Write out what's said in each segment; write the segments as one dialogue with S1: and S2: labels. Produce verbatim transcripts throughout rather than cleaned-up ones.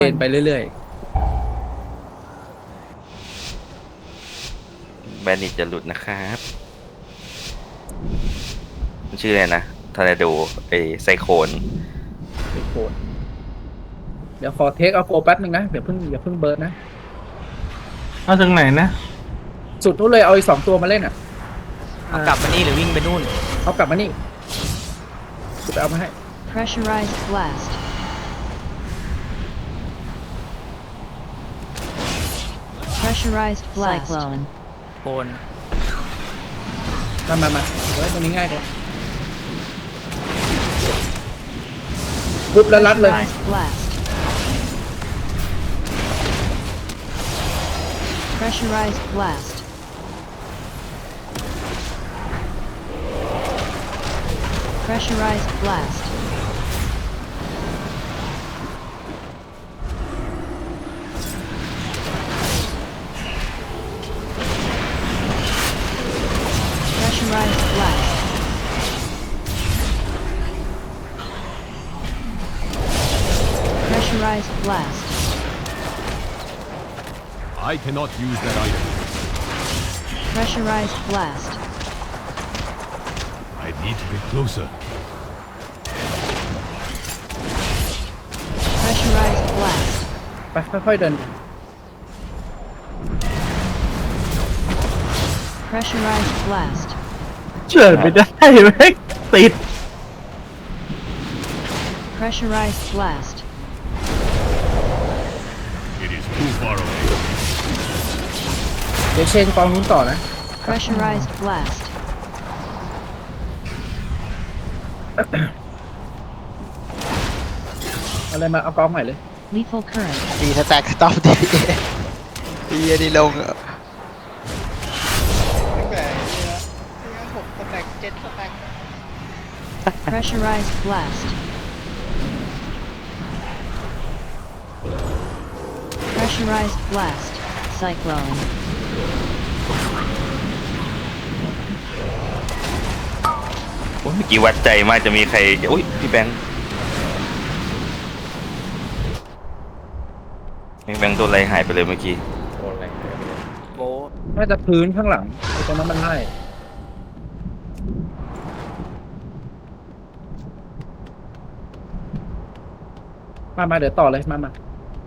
S1: เดินไปเรื่อย
S2: แบนนิตจะหลุดนะครับมันชื่ออะไรนะทอร์นาโดไอไซโคลน
S1: ๆไปโคตรเดี๋ยวขอเทคเอาโฟแป๊บนึงนะเดี๋ยวเพิ่งอย่าเพิ่งเบิร์ดนะ
S3: เอาถึงไหนนะ
S1: สุดนู้นเลยเอาอีกสองตัวมาเล่นอ่ะ
S4: เอากลับมานี่หรือวิ่งไปนู่น
S1: เอากลับมานี่กูไปเอามาให้
S5: Pressurized blast. Pressurized blast. Cyclone.
S4: โคน
S1: มามามาเฮ้ยตรงนี้ง่ายเลยปุ๊บแล้วรัดเลย
S5: Pressurized blast. Pressurized blast. Pressurized blast. Pressurized blast. Pressurized blast.
S6: I cannot use that item.
S5: Pressurized blast.
S6: I need to get closer.
S5: Pressurized blast.
S1: ไปค่อยๆเดิน
S5: Pressurized blast.
S3: เชื่อไม่ได้แม่งติด
S5: Pressurized blast.
S6: It is too far away.
S1: เดี๋ยวเชนกองนู้นต่อนะ
S5: Pressurized blast.
S1: เอาเลยมาเอากองใหม่เลย
S5: Lethal current.
S7: ดีถ้าแตกก็ต้องดีดีอันนี้ลงอะ
S5: Pressurized blast. Pressurized blast. Cyclone.
S2: โอ้ยเมื่อกี้วัดใจมากจะมีใครอุ้ยพี่แบงค์พี่แบงค์โดนอะไรหายไปเลยเมื่อกี้
S4: โบะ
S1: น่าจะพื้นข้างหลังไอ้ตรงนั้นมันไล่มามาเดี๋ยวต่อเลยมามา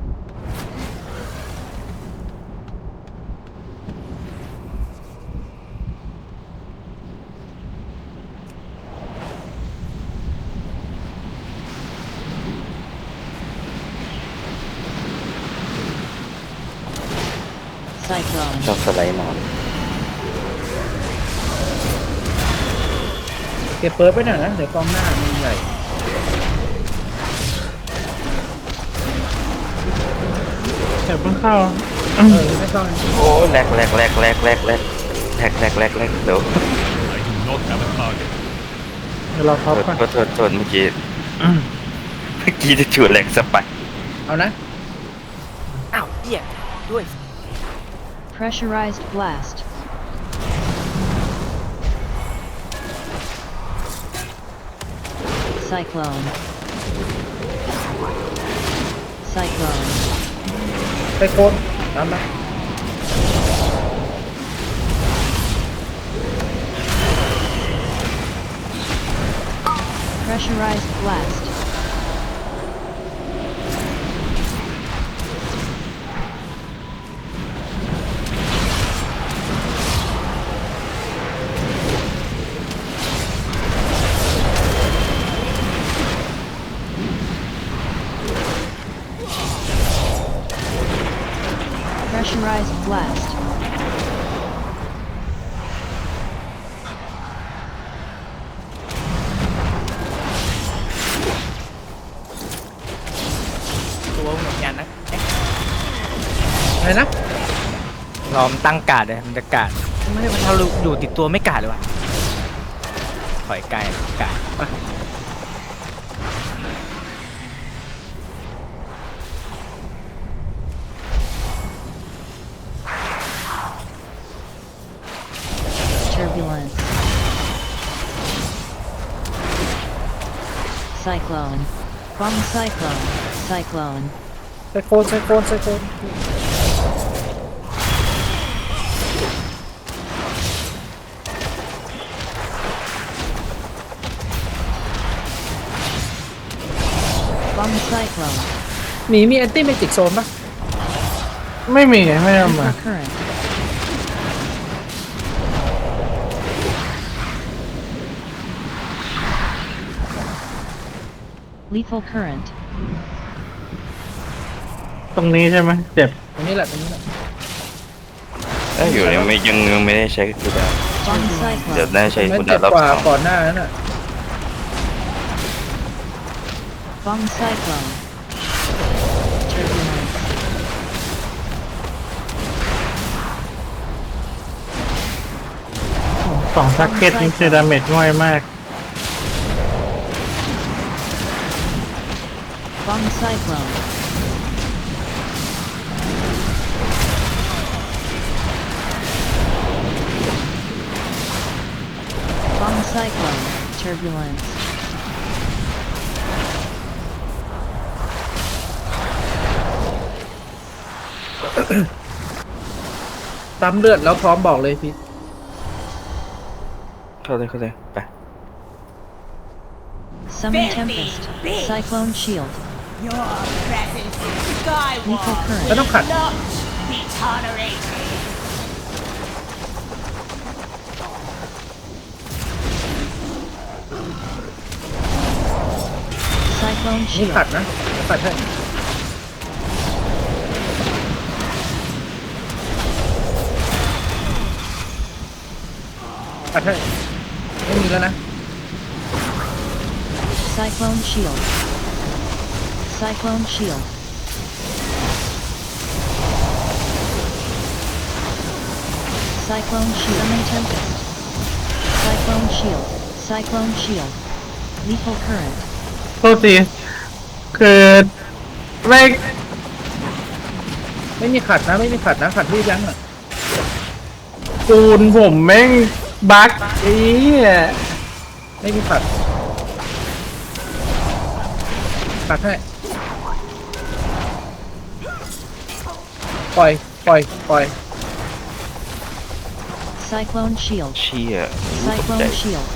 S2: ชอบสไลด์นอน
S1: เก็บเปิร์ดไว้หน่อยนะเดี๋ยวกองหน้ามันใหญ่
S3: เดี๋ยวเพิ่งเข้า
S1: เออไม่ต้อง
S2: โอ้แหลกแหลกแหลกแหลกแหลกแหลกแหลกแหลกแหลกแหลกเดี๋ยว
S6: I do not have a target.
S3: เดี๋ยวเรา
S2: โท
S3: พับ
S2: ษ
S3: ก่อน
S2: โทษโทษโทษเมื่อกี้เมื่อกี้จะจูดแหลกสไปร์
S1: เอานะ
S4: อ้าวเหี้ยด้วย
S5: Pressurized blast. Cyclone. Cyclone.
S1: ไปโคนตามมา
S5: Pressurized blast. Pressurized blast.
S4: ตัวเหมือนกันนะ
S1: อะไรนะ
S4: รอมนตั้งการ์ดเลยมันจะการ์ดไม่มันถ้าเราอยู่ติดตัวไม่การ์ดเลยวะถอยไกลการ์ด
S5: Turbulence. Cyclone. Bomb cyclone. Cyclone.
S1: ไซโคนไซโคนไซโคน
S5: Bomb cyclone.
S1: หมีมีแอนตี้เมจิกโซนปะ
S3: ไม่มีไม่ได้เอามา
S5: Lethal current. Lethal current.
S3: ตรงนี้ใช่ไหมเจ็บ
S1: ตรงนี้แหละตรงนี้แหละ
S2: เอ้ยอยู่ยังไม่ยังยังไม่ได้ใช้กูดาว
S5: Bomb
S2: เดี๋ยว
S5: cyclone.
S2: ได้ใช้
S1: ไม่
S2: กู
S1: เจ็
S2: ดา
S1: บ
S2: วรอบ
S1: กว่า
S2: สอง
S1: ก่อนหน้านั้นอ่ะ
S5: Bomb cyclone. Turbulence.
S3: สองซักเก็ตนี่คือดาเมจง่อยมาก
S5: Bomb cyclone. Bomb cyclone. Turbulence.
S1: ซ้ำเลือดแล้วพร้อมบอกเลยพี่
S2: เข้าเลยเข้าเลยไป
S5: Summon tempest. Cyclone shield.
S8: Your presence in
S5: Lethal
S8: Skyward
S5: current.
S1: แล้วต้องขัด
S8: not be tolerated.
S5: Cyclone
S1: นี่
S5: shield.
S1: ขัดนะขัดให้ขัดให้ไม่มีแล้วนะ
S5: Cyclone shield. Cyclone shield. Cyclone shield. Summon tempest. Cyclone shield. Cyclone shield. Lethal current.
S3: โทษทีคือไม่
S1: ไม่มีขัดนะไม่มีขัดนะขัดที่ยั้งอ่ะ
S3: ปูนผมแม่งบั๊กไอ้เหี้ย
S1: ไม่มีขัดขัดให้ปล่อยปล่อยปล่อย
S5: Cyclone shield.
S2: เชี่ยตกใจ
S5: Cyclone shield.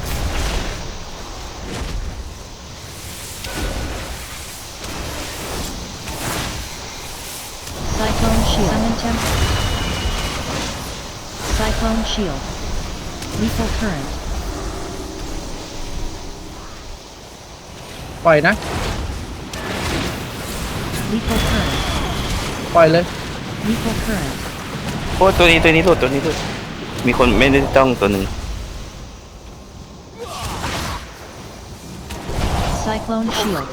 S5: Cyclone shield. Summon tempest. Cyclone shield. Lethal current.
S1: ปล่อยนะ
S5: Lethal current.
S1: ปล่อยเลย
S5: Lethal current.
S2: โอ้ตัวนี้ตัวนี้หลุดตัวนี้หลุดมีคนไม่ได้ต้องตัวหนึ่ง
S5: Cyclone shield.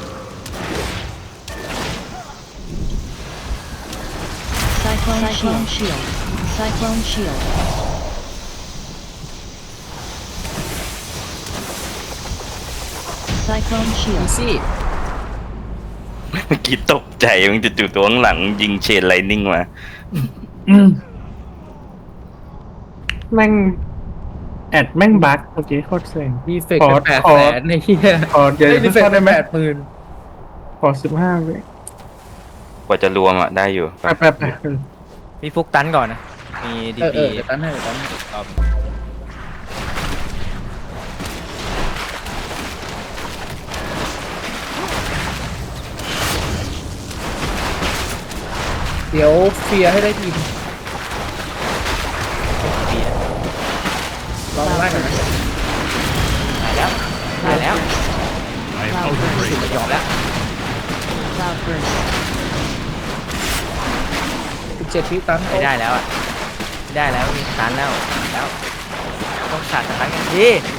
S5: Cyclone, Cyclone shield. Cyclone shield. Cyclone
S1: อี
S5: shield.
S1: ซี่
S2: เมื่อกี้ตกใจมันจะจู่ๆตัวข้างหลังยิงเชนไลนิ่งมา
S3: อืมแม่งแอดแม่งบั๊กเมื่อกี้โคตรเซ็ง
S1: ดีเฟก
S3: ขอ
S1: แปด
S3: ขอ
S1: แสนในเฮีย
S3: ขอเดี๋ยว
S1: ดีเฟก
S3: เข้าได้ไหม
S1: แปดหมื่น
S3: ขอสิบห้าเว้ย
S2: กว่าจะรวมอ่ะได้อยู่
S3: ไปไปไป
S4: พี่ฟุกตันก่อนนะ มีดี
S1: เออเอ
S4: พี
S1: อเดี๋ยวตั้นให้เดี๋ยวตั้นให้เดี๋ยวเฟียร์ให้ได้ทีมลองไล่กันนะ
S4: ได้แล้ว
S6: I am out of range.
S4: ยอมแล้ว
S5: Cloud burst.
S1: สิบเจ็ดวิตัน
S4: ไม่ได้แล้วอ่ะไม่ได้แล้วมีตันแล้วแล้วต้องขาดสตันกันที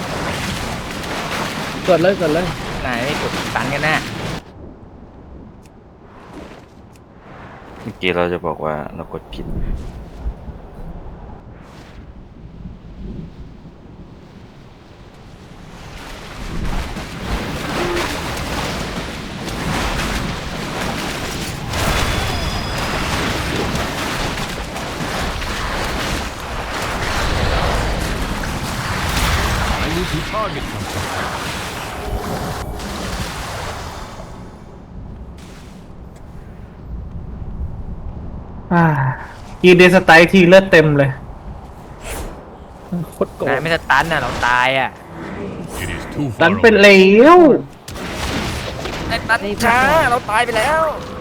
S1: เกิดเลยเกิดเลย
S4: ไหนไม่กดตันกันแน่
S2: เมื่อกี้เราจะบอกว่าเรากดผิด
S6: I need to target something.
S3: อ่ากีเดสไตล์ทีเลือดเต็มเลย
S1: โคตรโกร
S4: นาย
S1: ธ
S4: ไม่สตันน่ะเราตายอ่ะ
S6: It is too
S3: ดั
S6: far
S3: นเป็น
S6: away.
S3: เหลว
S4: นายตันช้าเราตายไปแล้ว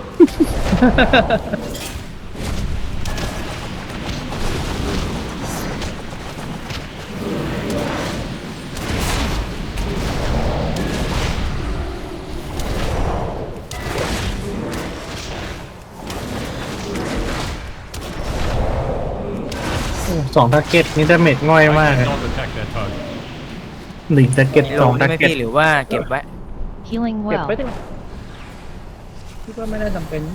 S3: โอ้สองทาร์เก็ตนี่ดาเมจง่อย
S6: I
S3: มากเลย
S6: cannot attack that target.
S3: หนึ่งทาร์เก็ต
S4: มี
S3: ส
S4: ล
S3: อง
S4: ง
S3: ทา
S4: ใช่ไหม
S3: ร์เก็ต
S4: พี่หรือว่าเก็บไว้
S5: Healing
S1: เก็บ
S5: well.
S1: ไว้ดิคิดว่าไม่น่าจำเป็น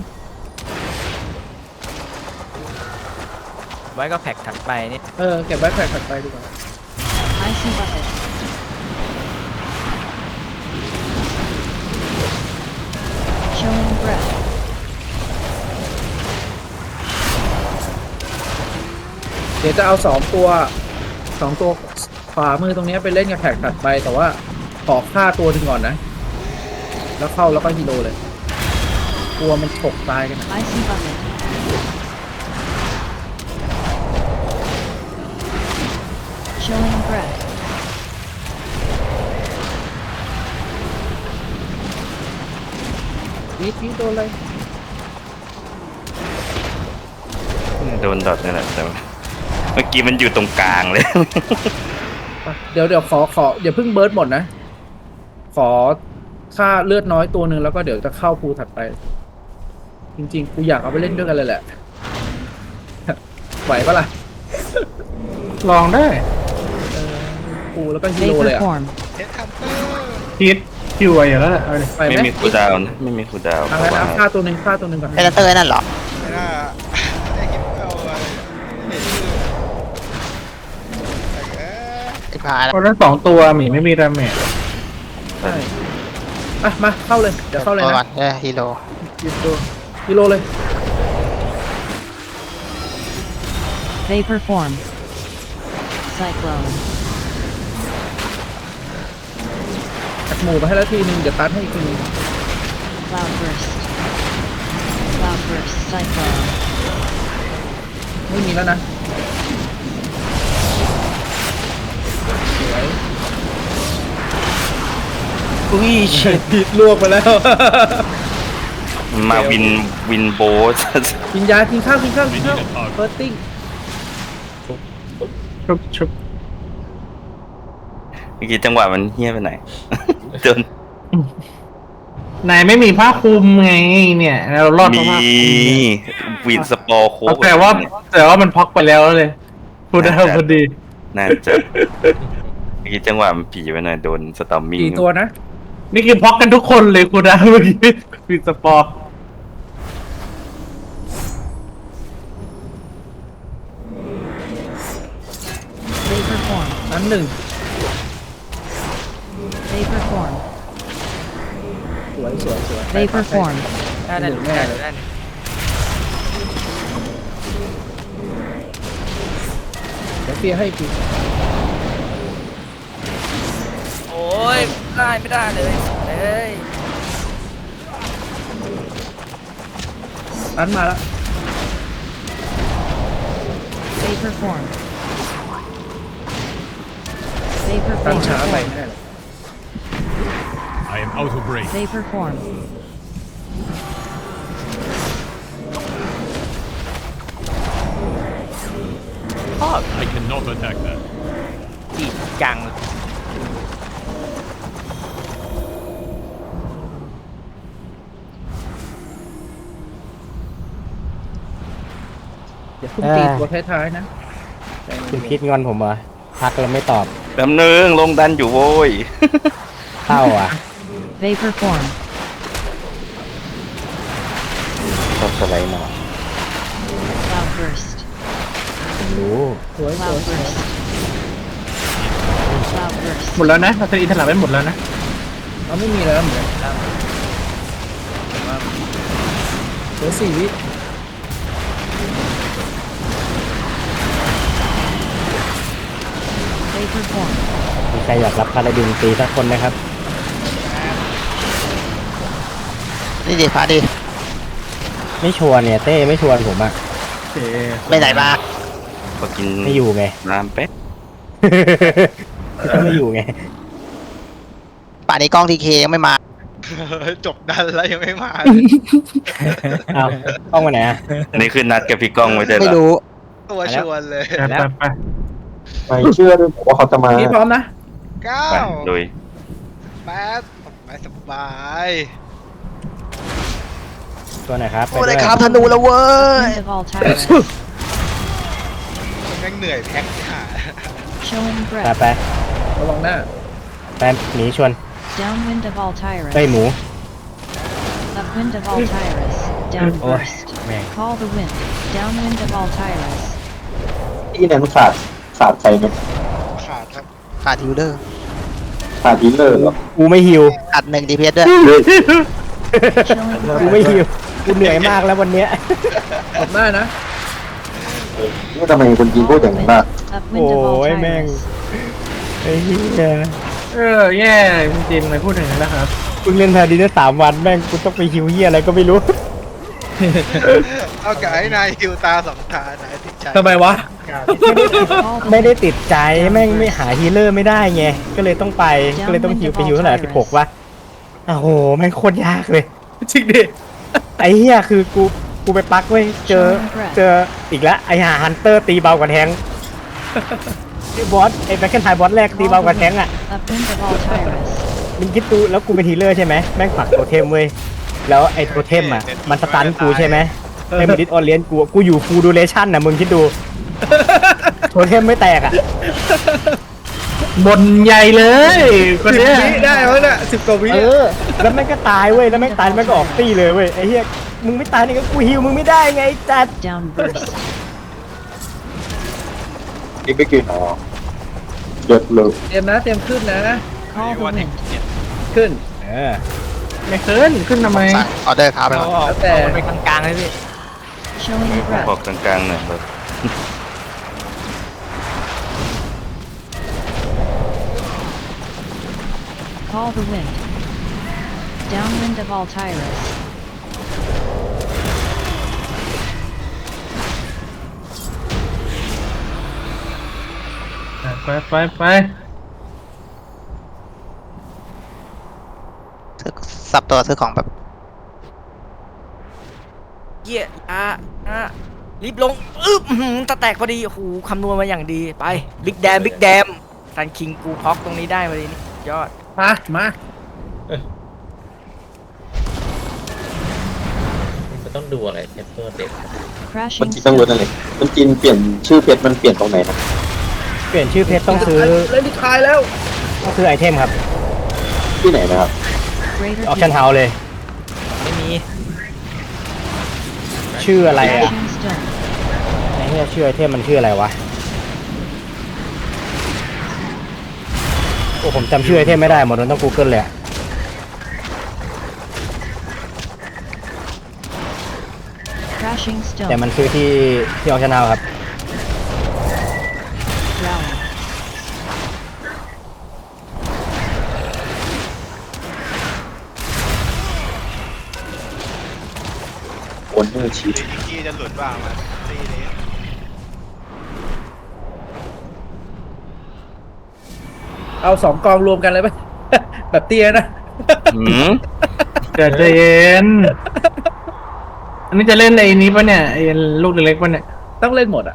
S4: ไว้ก็แพ็กถัดไปนี่
S1: เออเก็บไว้แผ่ถัดไปดีกว่า
S5: Icy bucket. Chilling breath.
S1: เดี๋ยวจะเอาสองตัวสองตัวขวามือตรงเนี้ยไปเล่นกับแท็กถัดไป แต่ว่าขอฆ่าตัวหนึ่งก่อนนะ แล้วเข้าแล้วก็ฮีโร่เลยกลัวมันฉกตายกันนะ
S5: Icy bucket. Chilling breath.
S1: พีทพีทโดนเลย
S2: โดนดอทนี่แหละแต่ว่าเมื่อกี้มันอยู่ตรงกลางเลย
S1: ไปเดี๋ยวเดี๋ยวขอขออย่าเพิ่งเบิร์ดหมดนะ ขอค่าเลือดน้อยตัวหนึ่งแล้วก็เดี๋ยวจะเข้าภูถัดไป จริงๆ กูอยากเอาไปเล่นด้วยกันเลยแหละ ไหวปะล่ะ
S3: ลองได้
S1: กูแล้วก็ฮีโร่เลย
S5: Vapor
S1: อ่ะ
S5: form.
S3: พีทคิวไว้อยู่แล้วแหละเอาดิ
S1: ไป
S2: ไม่
S1: ไหม
S2: มีคูลดาวน์นะไม่มีคูลดาวน์
S1: เอา
S2: เพ
S1: งั้
S2: ราะ
S1: น
S2: ว่า
S1: เอาฆ่าตัวหนึ่งฆ่าตัวหนึ่งก่อน
S7: เป็นเตอร์นั่นเหรอ
S9: ไม่น่าได้คิดเอาอะไรเห็นชื่อแต่เอ๊ะ
S7: ไอ้พา
S3: เพราะนั้นสองตัวหมีไม่มีดาเมจ
S1: ใช่อ่ะมาเข้าเลย เดี๋ยวเข้าเลย
S7: ก่อ
S1: นะ
S7: นเออฮีโร่
S1: หยุดตัวฮีโร่เลย
S5: Vapor form. Cyclone.
S1: จัดหมู่ไปให้แล้วทีนึงเดี๋ยวตัดให้อีกทีนึง
S5: Cloud burst. Cloud burst. Cyclone.
S1: ไม่มีแล้วนะสวย
S4: อุ้ยเชิด
S1: ผิดลวกไปแล้ว
S2: มาวินวินโบส
S1: กินยากินข้าวกินข้าวกินข้าว
S6: We need a target.
S1: เฟิร์สติ้ง
S3: ชุบชุบ
S2: เมื่อกี้จังหวะมันเฮี้ยไปไหน จน
S3: นายไม่มีผ้าคลุมไงเนี่ยเรารอดเพ
S2: มี
S3: ราะผ้าคลุม
S2: วินสปอร์โค้ก
S3: แต่ว่าแต่ว่ามันพ็อกไปแล้วเลยพูดได้พอดี
S2: น่าจะเมื่อกี้จังหวะมันผีไปหน่อยโดนสตอมมิ่ง
S1: กี่ตัวนะ
S3: นี่คือพ็อกกันทุกคนเลยคุณนะเมื่อกี้มีสปอร์
S5: Vapor form.
S1: นั้นหนึ่ง
S5: Vapor form.
S1: สวยสวยสวย
S5: Vapor form.
S4: ได้ได้ได้ได้ได้
S1: เดี๋ยวเฟียร์ให้อีกที
S4: โอ้ยได้ไม่ได้เลยเอ้ย
S1: ตันมาแล้ว
S5: Vapor form. Vapor
S1: ตันช้า
S5: vapor
S1: ไป
S5: form.
S1: ไม่ได้หรอก
S6: I am out of range.
S5: Vapor form.
S6: I cannot attack that.
S4: จีบกัง
S1: อย่าเพิ่งตีตัวท้ายๆนะใจเย็น
S10: คุณคิดงอนผมเหรอพักแล้วไม่ตอบ
S2: แป๊บนึงลงดันอยู่โว้ย
S10: เศร้าอ่ะ
S5: Vapor form.
S10: ชอบสไลด์หน่อย
S5: Cloud burst.
S10: รู้
S1: สวยสวย
S5: Cloud burst. Cloud burst.
S3: หมดแล้วนะเราจะอินทลาไปหมดแล้วนะ
S1: เราไม่มีแล้วเหมือนกันเหลือสี่วิ
S5: Vapor form.
S10: มีใครอยากรับพาราดินตีสักคนไหมครับ
S7: นี่ดิพาดิ
S10: ไม่ชวนเนี่ยเต้ไม่ชวนผมอ่ะ
S3: เค
S7: ไปไหนมา
S2: ก็กิน
S10: ไม่อยู่ไง
S2: น้ำแป๊บ
S10: ก็ไม่อยู่ไง
S7: ป่านนี้กล้องทีเคยังไม่มา
S9: จบดันแล้วยังไม่มา
S10: เอาต้องมาไหนอ่ะ
S2: อันนี้คือนัดกับพี่ก้องไว้ใช่เหร
S7: ไม่
S2: อ
S7: รู้
S9: ตัวชวนเลย
S3: ไปไปไป
S11: ไม่เชื่อด้วยผมว่าเขาจะมา
S1: พี่พร้อมนะ
S9: เก้า
S2: ไปลุย
S9: แปดสบายสบาย
S10: ตัวไหนครับ
S7: โอ้ได้ครับธนูแล้วเว้ย
S5: Wind of Altyra.
S9: แม่งเหนื่อยแพ็คที่หา
S5: Showing
S10: ไป
S5: breath.
S10: ไป
S1: ระวังหน้า
S10: ไปหนีชวน
S5: Downwind of
S10: เฮ้ย
S5: Altyra.
S10: หมู
S5: Upwind of Altyras. Downburst.
S10: man.
S5: Call the wind. Downwind of Altyras.
S11: ที่นั้นขาดขาดใครไหม
S9: ขาดครับ
S7: ขาดฮิลเลอร์
S11: ขาดฮิลเลอร์เหรอ
S10: กูไม่หิว
S7: ขาดหนึ่งดีเพสด้วย
S5: Chilling
S10: กูไม่
S5: breath.
S10: หิว กูเหนื่อยมากแล้ววันเนี้ย
S1: ตบหน้านะ
S11: นี่ทำไมคนจีนพูดอย่างนั้นบ้าง
S5: Upwind of
S10: โอ้ยแม่ง
S5: Altyras.
S10: ไอ้เหี้ย
S3: เออแย่จริงๆเลยพูดถึงนั้นนะครับ
S10: เพิ่งเล่นแพนดีได้สามวันแม่งกูต้องไปหิวเหี้ยอะไรก็ไม่รู้
S9: เอากับไอ้นายฮิวตาสองตานายติดใจ
S1: ทำไมวะ
S5: Call the
S10: ไม่ได้
S5: wind.
S10: ติดใจแม่งไม่หาฮีลเลอร์ไม่ได้ไง ก็เลยต้องไป ก็เลยต้องฮิวไปฮิวเท่าไหร่สิบหกวะโอ้โหแม่งโคตรยากเลย
S1: จริงดิ
S10: ไอ้เหี้ยคือกูกูไปปักเว้ยเจอเจออีกแล้วไอ้หาฮันเตอร์ตีเบากว่าแทงไอ้บอสไอ้แบ็คเคนไทบอสแรกตีเบากว่าแทงอ่ะ
S5: Upwind of Altyras.
S10: มึงคิดดูแล้วกูเป็นฮีลเลอร์ใช่ไหมแม่งปักโทเทมเว้ยแล้วไอ้โทเทมอ่ะมันสตันกูใช่ไหมไอ้มันดิสออนเลียนกูกูอยู่ฟูลดูเรชั่นน่ะมึงคิดดูโทเทมไม่แตกอ่ะ
S3: บนใหญ่เลยคน
S1: สิบ
S3: เนี้ย
S1: วิได้แล้วเนี่ยสิบกว่าวิ
S10: เออแล้วแม่งก็ตายเว้ยแล้วแม่งตายแม่งก็ออกตีเลยเว้ยไอ้เหี้ยมึงไม่ตายนี่ก็กูฮิวมึงไม่ได้ไงไอ้จัด
S5: Downburst.
S11: นี่ไม่กินอ๋อเดือดเลย
S1: เตรียมนะ เตรียมขึ้นนะ
S5: Call the wind.
S1: ขึ้น
S10: เออ
S3: ไม่ขึ้นขึ้นทำไม
S7: สั่งออเดอร์ครับไป
S4: เอา
S7: ก่อน
S4: ออก
S1: แล้วแต่
S4: เอามันไปกลางๆเลยพี่
S5: Showing
S2: พอ
S5: breath.
S2: กลางๆหน่อยแบบ
S5: Call the wind. Downwind of Altyras.
S3: ไปไปไป
S7: ซื้อสับตัวซื้อของแบบ
S4: เหี้ยอ่ะอ่ะรีบลงอึ๊บอื้อหือตะแตกพอดีโอ้โหคำนวณมาอย่างดีไปบิ๊กแดมบิ๊กแดมซันคิงกูพ็อกตรงนี้ได้พอดีนี่ยอด
S1: มา มา
S10: ต้องดูอะไรเทปเปอร์เด็ก
S11: มัน
S5: Crashing
S11: จีนต้องรู้นั่น
S5: stone.
S11: เลยมันจีนเปลี่ยนชื่อเพชรมันเปลี่ยนตรงไหนนะ
S10: เปลี่ยนชื่อเพชรต้องซื้อ
S1: เล่นที่คายแล้ว
S10: ต้องซื้อไอเทมครับ
S11: ที่ไหนนะครับ
S5: Greater
S10: ออปชั่น
S5: heat.
S10: เฮาเลย
S4: ไม่มี
S10: ชื่ออะไรอ่ะ
S5: Crashing stone.
S10: ไอ้เหี้ยชื่อไอเทมมันชื่ออะไรวะโอ้ผมจำชื่อไอเทมไม่ได้หมดมันต้อง Google เลยอะ
S5: Crashing
S10: แต่
S5: stone.
S10: มันซื้อที่ที่ออปชั่นเฮาครับ
S5: Rally.
S11: โอนเนอร์ชีท
S9: ที่จะหลุดบ้างมาตีนี้
S1: เอาสองกองรวมกันเลยไหม แบบเตี้ยนะ
S2: หืม
S3: เกิดใจเย็นอันนี้จะเล่นไอ้นี้ปะเนี่ยไอ้ลูกเล็กๆปะเนี่ย
S1: ต้องเล่นหมดอ่ะ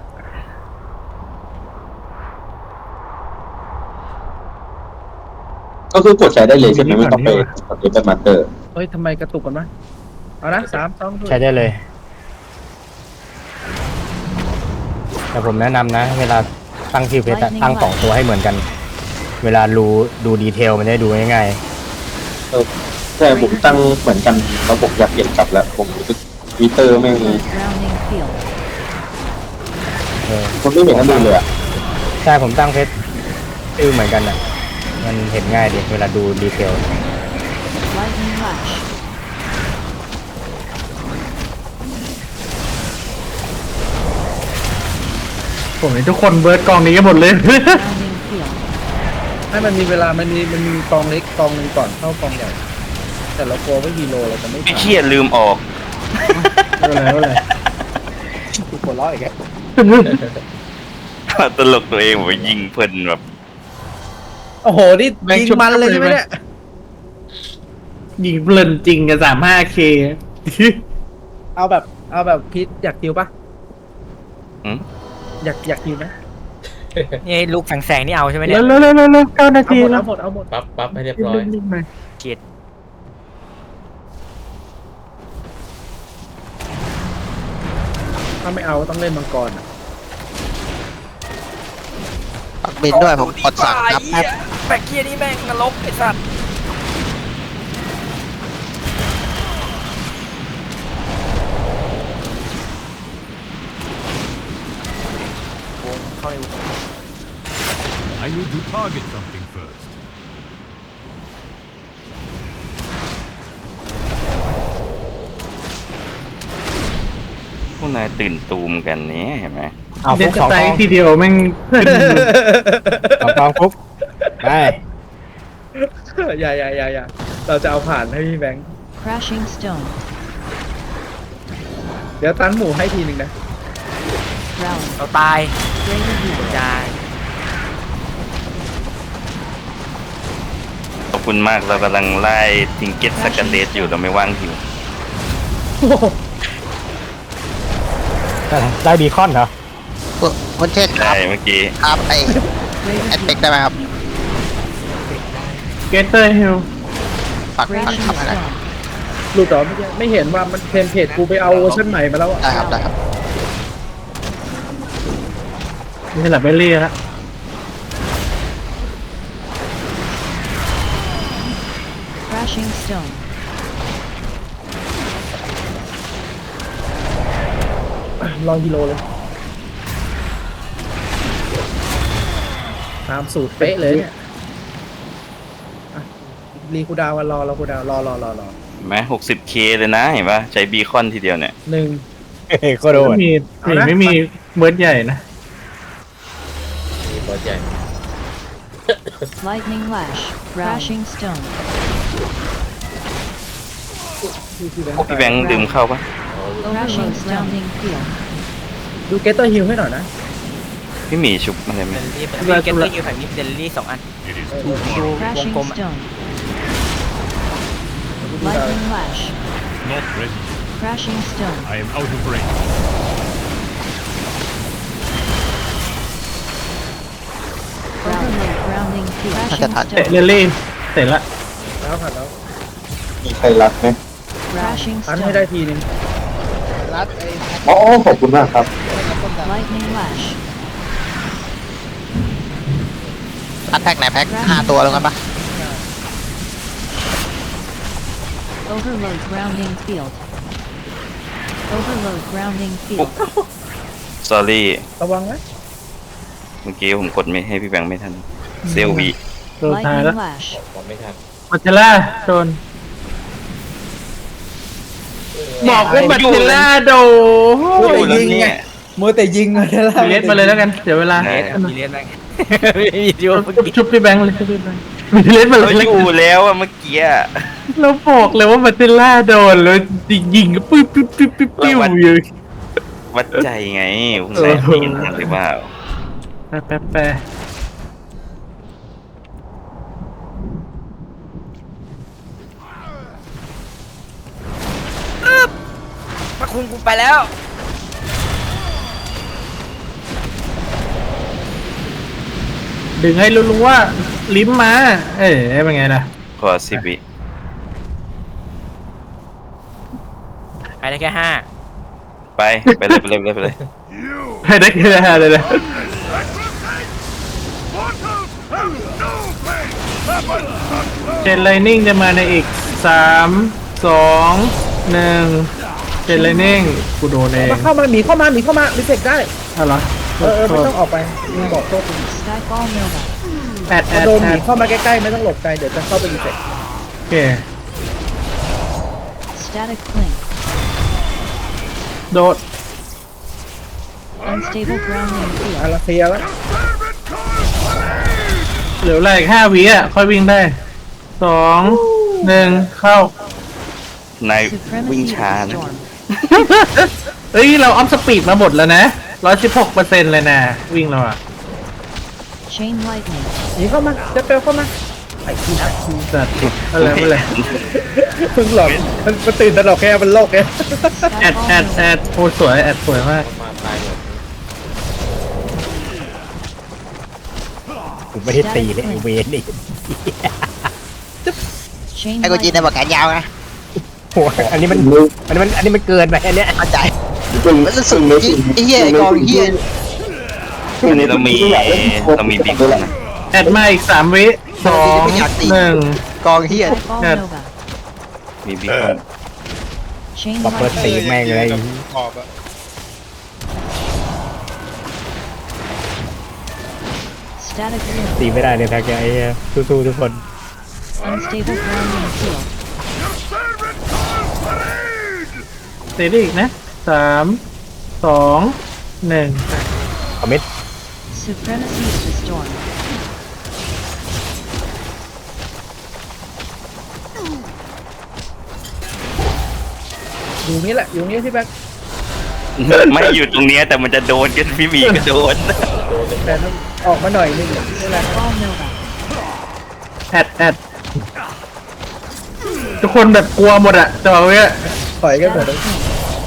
S11: ก็คือกดใช้ได้เลยใช่ไหมไม่ต้องไปกดเป็นมาสเตอร์
S1: เฮ้ยทำไมกระตุกกันวะเอานะสามสอง
S10: ใช้ได้เลย แต่ผมแนะนำนะ เวลาตั้งชื่อเพจอะตั้งสองตัวให้เหมือนกัน เวลารู้ดูดีเทลมันจะได้ดูง่าย
S11: ใช่ผมตั้งเหมือนกันแล้วผมอยากเปลี่ยนกลับแล้วผมรู้สึกทวิตเตอร์ไม่ง
S5: Drowning field.
S10: ๆเออ
S11: มันไม่เหมือนกันเลยอ่ะ
S10: ใช่ผมตั้งเพจชื่อเหมือนกันอะมันเห็นง่ายดีเวลาดูดีเทล
S5: Lightning lash.
S3: ผมเห็นทุกคนเบิร์ดกองนี้กันหมดเลย
S5: Drowning field.
S1: ให้มันมีเวลามันมีมันมีกองเล็กกองหนึ่งก่อนเข้ากองใหญ่แต่เรากลัวว่าฮีโร่เราจะไม่
S2: ไม่
S1: ทัน
S2: เครียดลืมออก
S3: ไม่เป็นไรไม่เป็นไร
S1: ถูกหัวเราะ
S10: อีกแล้ว
S2: ตลกตัวเองผมยิงเพลินแบบ
S1: โอ้โหนี่ยิงมันเลยใช่ไหมเนี่ย
S3: ยิงเพลินจริงกับสามห้าเค
S1: เอาแบบเอาแบบพีทอยากคิวปะ
S2: หืม
S1: อยากอยากคิวไหม
S4: นี่ลูกแสงๆนี่เอาใช่ไหมเนี่
S3: แล้
S4: ยว
S3: แล้วแล้วแล้วเก้านา
S1: เอา
S3: ที
S1: หมด
S3: แล้ว
S1: เอาหมดเอาหมด
S9: ปั๊บปั๊บให้เรียบร้อย
S3: รีบๆหน่อย
S4: เกียด
S1: ถ้าไม่เอาต้องเล่นมังกรอ่ะ
S7: ปักบินด้วยผมกดสั่งครับแป๊บ
S4: แบกเกียร์นี่แม่งนรกไอ้สัตว์วงเข้าในวง
S6: I need to target something first.
S2: พวกนายตื่นตูมกันเนี้ยเห็นไหม
S10: เอา
S3: เด็
S10: ฟุ
S3: ด
S10: ก
S3: ส
S10: สอง
S3: ไต
S10: กอง
S3: ล์ทีเดียวแม่ง
S10: สองกองฟุกไป
S1: อย่าอย่าอย่าอย่าเราจะเอาผ่านให้พี่แบงค์
S5: Crashing stone.
S1: เดี๋ยวตันหมูให้ทีหนึ่งนะ
S5: Rally.
S4: เราตาย
S5: Greater heal.
S4: จาย
S2: ขอบคุณมากเรากำลังไล่ทิงเก็ตสกัดเลสอยู่เราไม่ว่างหิว
S10: ได้บีคอนเหรอ
S7: คุณคุณเทศค
S2: ได้
S7: รับ
S2: เมื่อกี้
S7: ครับไอ
S5: Greater
S7: แอดเป็ก
S5: heal.
S7: ได้ไหมครับ
S3: เกเตอร์ฮิล
S7: ปักปัก
S5: Crashing
S7: ทำอะไร
S5: stone.
S1: หลุดเหรอไม่ไม่เห็นว่ามันเทมเพลตกูไปเอาเวอร์ชันใหม่มาแล้วอะ
S7: ได้ครับได้ครับ
S3: นี่สลับไปเรื่อยแล้ว
S5: Crashing stone.
S1: รอฮีโร่เลยตามสูตรเป๊ะเลยเนี่ยอ่ะรีคูลดาวน์กันรอรอคูลดาวน์รอรอรอรอ
S2: เห็นไหมหกสิบเคเลยนะเห็นปะใช้บีคอนทีเดียวเนี่ย
S1: หนึ่ง
S10: เฮ้ยก็โดน
S3: ไม่มี
S1: เอานะ
S3: ไม่มีเบิร์ดใหญ่นะ
S9: มีบอสใหญ่
S5: Lightning lash. Crashing stone.
S1: พี่พี่แบง
S2: พวก
S1: ค์
S2: พี่แบงค์ดื่มเข้าปะ
S5: Crashing surrounding field.
S1: ดูเกตเตอร์ฮิลให้หน่อยนะ
S2: พี่หมีชุบอะไรไหม
S4: เดลลี่มีเกตเตอร์ยูแผ่นนี้เดลลี่สองอัน
S6: It is
S1: เออ
S6: too
S1: ดู
S6: far.
S1: วง
S5: Crashing
S1: กลมอะ
S5: stone.
S1: ดูดาว
S5: Lightning lash.
S6: Not ready.
S5: Crashing stone.
S6: I am out of range.
S5: Rally. Grounding field.
S7: Attack,
S5: Crashing
S7: attack.
S3: เตะ
S5: stone.
S3: เรลลี่เสร็จละ
S1: แล้วผ่านแล้ว
S11: มีใครรักไหม
S5: Crashing
S1: ตันให้ได้
S5: stone.
S1: ทีหนึ่ง
S7: รัดไอ้
S11: อ๋อขอบคุณมากครับ
S5: Lightning lash.
S7: รัดแพ็กไหนแพ็กห้าตัวแล้วกันปะ
S5: Overload grounding field. Overload grounding field.
S2: สอรี่
S1: ระวังนะ
S2: เมื่อกี้ผมกดไม่ให้พี่แบงค์ไม่ทันเซลวี
S3: โดนทายแล้ว
S5: Lightning lash.
S9: ผมไม่ทัน
S3: มัตเทล่าโดนบอกว่ามัตเทล่าโดน
S1: มัวแต่ยิงไงมัวแต่ยิงไงล่ะ
S3: เลสมาเลยแล้วกันเดี๋ยวเวลา
S4: มีเลียนแม่งไม่มีดิวเมื่อ
S3: ชุบ
S4: กี้
S3: ชุบพี่แบงค์เลยชุบพี่แบงค์มีเลสมาเล
S2: เรา
S3: ยแล้ว
S2: อ
S3: กัน
S2: ยู่แล้วอะเมื่อกี้อะ
S3: เราบอกเลยว่ามัตเทล่าโดนแล้วยิงก็ปิ๊บปิ๊บปิ๊บปิ๊บปิ๊บอยู่
S2: วัดใจไงคุณนายได้ยินทันหรือเปล่า
S3: แป๊บแป๊บแป๊บ
S4: พระคุณกูไปแล้ว
S3: ดึงให้รู้ๆว่าลิ้มมา เอ้ยเป็นไงล่ะ
S2: ขอสิบวิ
S4: ไปได้แค่ห้า
S2: ไปไปเลยไปเลยไปเลยไปเลย
S3: ให้ได้แค่ห้าเลยนะเจนไลนิ่งจะมาในอีกสามสองหนึ่งเจนไลนิ่งกูโดนเอง
S1: มาเข้ามาหมีเข้ามาหมีเข้ามารีเฟกได้
S3: เอาเหรอ
S1: เออเออไม่ต้องออกไปมึงบอกโทษมึง
S5: Skyfall Nova.
S3: แอดแอ
S1: พอ
S3: ด
S1: โดนห
S3: แอ
S1: มี
S3: ด
S1: เข้ามาใกล้ๆไม่ต้องหลบไกลเดี๋ยวจะเข้าไปรีเฟก
S3: โอเค
S5: Static clink.
S3: โดด
S5: Unstable grounding
S1: อา
S5: field.
S1: ราเซียแล้ว
S3: เหลืออะไรอีกห้าวิอ่ะ ค่อยวิ่งได้สองหนึ่งเข้า
S2: นายวิ่ง
S5: Supremacy
S2: ช้า
S5: of the
S2: นะ
S5: storm.
S3: เอ้ยเราออฟสปีดมาหมดแล้วนะร้อยสิบหกเปอร์เซ็นต์เลยนะวิ่งเราอะ
S5: Chain lightning.
S1: หนีเข้ามาจะเปลเข้ามาไอ้ที่นัก
S3: จัดอะไรไม่เลย
S1: เพิ่งหลอกมันมันตื่นตลกแค่มันโลกแค่
S3: แอดแอดแอดโอ้สวยแอดสวยมาก
S9: มาตายหมด
S10: กูไม่ได้ตีเลยไอ้เวนนี่
S5: Chain
S7: ไอ้กูจีนใน
S5: lightning.
S7: บอกแขนยาวนะ
S10: โหอันนี้มันอันนี้มันอันนี้มันเกินไปอันเนี้ย
S7: เข้าใจมันรู้สึกจริงไอ้เหี้ยไอ้กองเหี้ย
S2: เรามีเรามีบิ๊กนะ
S3: แอดมาอีกสามวิสองหนึ่ง
S7: กองเหี้ย
S5: Nightfall
S3: Yes.
S5: Nova.
S2: มีบิ๊ก
S5: Chain
S10: บัฟเฟิร์
S5: lightning.
S10: ตีแม่งเลย
S9: ขอบอะ
S5: Static wind.
S10: ตีไม่ได้เลยแพ็กไอ้เหี้ยสู้ๆทุกคน
S5: Unstable grounding field.
S3: ตีได้อีกนะสามสองหนึ่ง
S10: คอมเมนต์
S5: Supremacy is restored.
S1: อยู่นี่แหละอยู่นี่พี่แบ๊ก
S2: ไม่อยู่ตรงเนี้ยแต่มันจะโดนกันพี่หมีก็โดน
S1: แต่ต้องออกมาหน่อยนึงนี่แหละ
S5: Nightfall Nova.
S3: แอดแอดทุกคนแบบกลัวหมดอะจะบอกว่า
S1: ถอยกันหมด
S5: Static flame.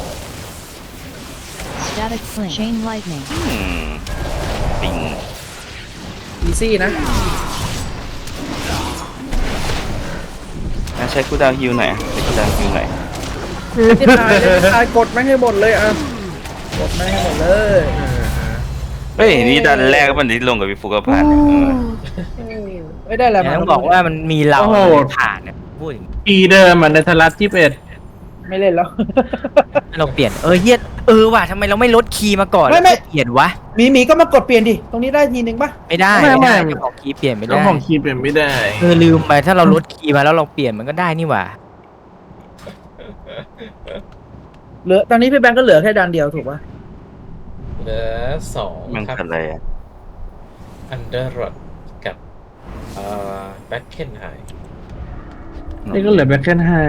S5: Static flame. Chain lightning.
S2: อืมปิง
S1: อีซี่นะ
S2: อ่ะใช้กูดาวฮิวหน่อยใช้กูดาวฮิวหน่อย
S1: ที่ตายที่ตายกดไม่ให้หมดเลยอ่ะกดไม่ให้หมดเลย
S2: เฮ้ยนี่ดันแรกก็มันที่ลงกับพี่ฟุกกผ่านเนี่ยเออ
S1: ไม่ได้แล้ว
S4: แต่ต้องบอกว่ามันมีเราผ่านเนี่ยพูดอย่างนี้
S3: อีเดิมอะในทารัสยี่สิบเอ็ด
S1: ไม่เล่นแล้ว
S4: เราเปลี่ยนเออเฮียเออว่ะทำไมเราไม่ลดคีย์มาก่อน
S1: ไม่ไม่
S4: แล้วเปลี่ยนวะ
S1: หมีหมีก็มากดเปลี่ยนดิตรงนี้ได้ทีนึงป่ะ
S4: ไม่ได้ไม่ได้เจ้าของคีย์เปลี่ยนไม่ได้
S3: เจ้าของคีย์เป็นไม่ได้
S4: เออลืมไปถ้าเราลดคีย์มาแล้วเราเปลี่ยนมันก็ได้นี่หว่า
S1: เหลือตอนนี้พี่แบงก์ก็เหลือแค่ดันเดียวถูกป่ะ
S9: เหลือสอง
S2: มัน
S9: ครับ
S2: คืออะไรอ่ะ
S9: อันเดอร์รอดกับเอ่อแบ็คเคนไฮ
S3: นี่ก็เหลือแบ็คเคนไฮ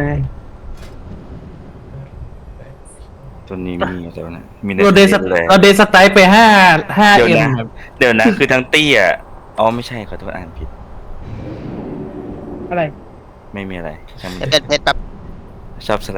S2: ตัวนี้มีตัวนะมี
S3: เราเดส
S2: เลย
S3: เราเดสไตล์ไปห้าห้า
S2: เดี๋ยว
S3: เอ็ม
S2: นะเดี๋ยวนะคือทั้งตี้อ่ะอ๋อไม่ใช่ขอโทษอ่านผิด
S1: อะไร
S2: ไม่มีอะไรช่างมัน
S7: เป็นเพชรแบบ
S2: ชอบสไล